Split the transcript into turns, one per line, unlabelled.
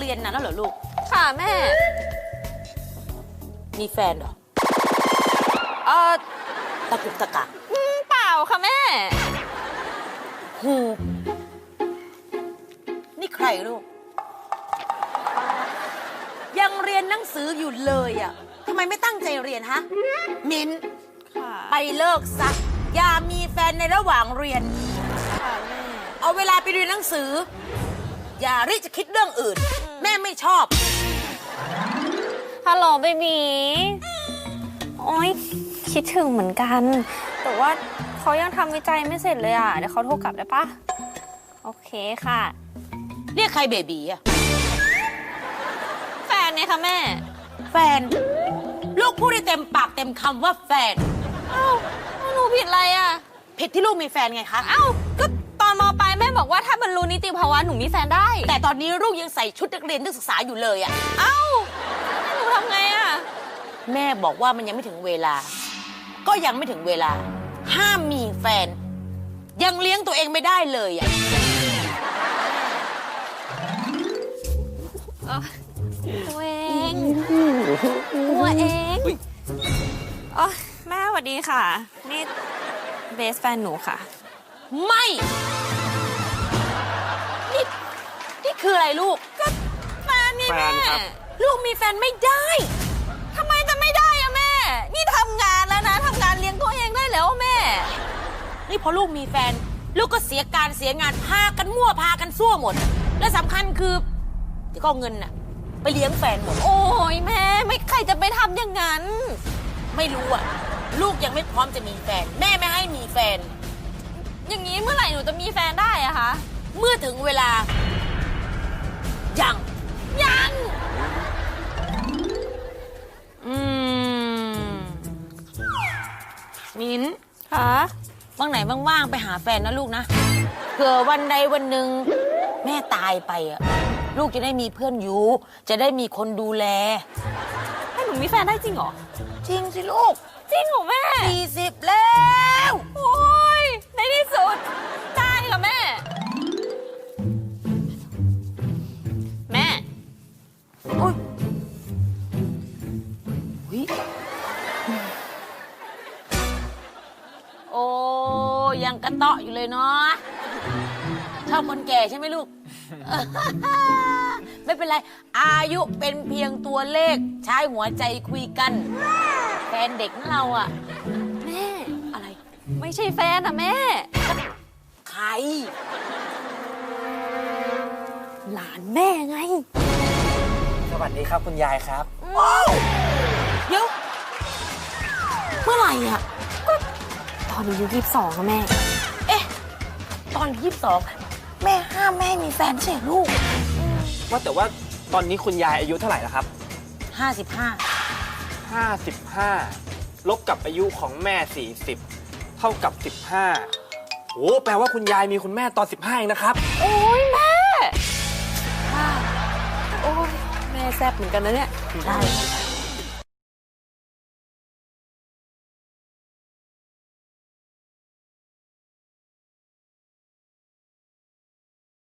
รียนนานแล้วเหรอลูก
ค่ะแม่
มีแฟนเหรอตะกุกตะกัก
เปล่าค่ะแม่
หูนี่ใครลูกยังเรียนหนังสืออยู่เลยอ่ะทำไมไม่ตั้งใจเรียนฮะมิ้นไปเลิกซะอย่ามีแฟนในระหว่างเรียน
ค่ะแม่
เอาเวลาไปเรียนหนังสืออย่ารีบจะคิดเรื่องอื่นแม่ไม่ชอบ
ฮัลโหลเบบีโอ๊ยคิดถึงเหมือนกันแต่ว่าเขายังทำวิจัยไม่เสร็จเลยอ่ะเดี๋ยวเขาโทรกลับได้ปะโอเคค่ะ
เรียกใครเบบีอะ
แฟนเนี่ยค่ะแม่
แฟนลูกพูดได้เต็มปากเต็มคำว่าแฟน
เอ้าหนูผิดอะไรอ่ะ
ผิดที่ลูกมีแฟนไงคะ
เอ้าก็ตอนม.ปลายแม่บอกว่าถ้าบรรลุนิติภาวะหนูมีแฟนได้
แต่ตอนนี้ลูกยังใส่ชุดนักเรียนนักศึกษาอยู่เลยอ่ะ
เอ้าหนูทำไงอ่ะ
แม่บอกว่ามันยังไม่ถึงเวลาก็ยังไม่ถึงเวลาห้ามมีแฟนยังเลี้ยงตัวเองไม่ได้เลยอ่ะ
ตัวเองอ๋อแม่สวัสดีค่ะนี่เบสแฟนหนูค่ะ
ไม่นี่คืออะไรลูก
ก็แฟนนี่แม่
ลูกมีแฟนไม่ได้
ทำไมจะไม่ได้อะแม่นี่ทำงานแล้วนะทำงานเลี้ยงตัวเองได้แล้วแม่
นี่พอลูกมีแฟนลูกก็เสียการเสียงานพากันมั่วพากันซั่วหมดและสำคัญคือที่ก็เงินน่ะไปเลี้ยงแฟนหมด
โอ้ยแม่ไม่ใครจะไปทำอย่างนั้น
ไม่รู้อ่ะลูกยังไม่พร้อมจะมีแฟนแม่ไม่ให้มีแฟน
อย่างนี้เมื่อไหร่หนูจะมีแฟนได้อะคะ
เมื่อถึงเวลายังมิ้น
คะ
ว่างไหนว่างๆไปหาแฟนนะลูกนะเผื่อวันใดวันหนึ่งแม่ตายไปอ่ะลูกจะได้มีเพื่อนอยู่จะได้มีคนดูแล
ให้หนูมีแฟนได้จริงเหรอ
จริงสิลูก
จริงเหรอแม่
40แล้ว
โอ้ยในที่สุดได้ค่ะแม่
โอ้ยโอ้ยังกระเตาะอยู่เลยเนาะชอบคนแก่ใช่ไหมลูก ไม่เป็นไรอายุเป็นเพียงตัวเลขใช้หัวใจคุยกันแฟนเด็กของเราอ่ะ
แม่
อะไร
ไม่ใช่แฟนอะแม่
ใคร
หลานแม่ไง
สวัสดีครับคุณยายครับ
เดี๋ยวเมื่อไหร่อ่ะ
ก็ตอนอายุ22ค่ะแม่
เอ๊ะตอน22แม่ห้ามแม่มีแฟนใช่ลูก
ว่าแต่ว่าตอนนี้คุณยายอายุเท่าไหร่แล้วครับ55ลบกับอายุของแม่40เท่ากับ15โอ้แปลว่าคุณยายมีคุณแม่ตอน15เองนะครับ
โอ้ยแม่โอ้ยแม่แซ่บเหมือนกันนะเนี่ย
ได้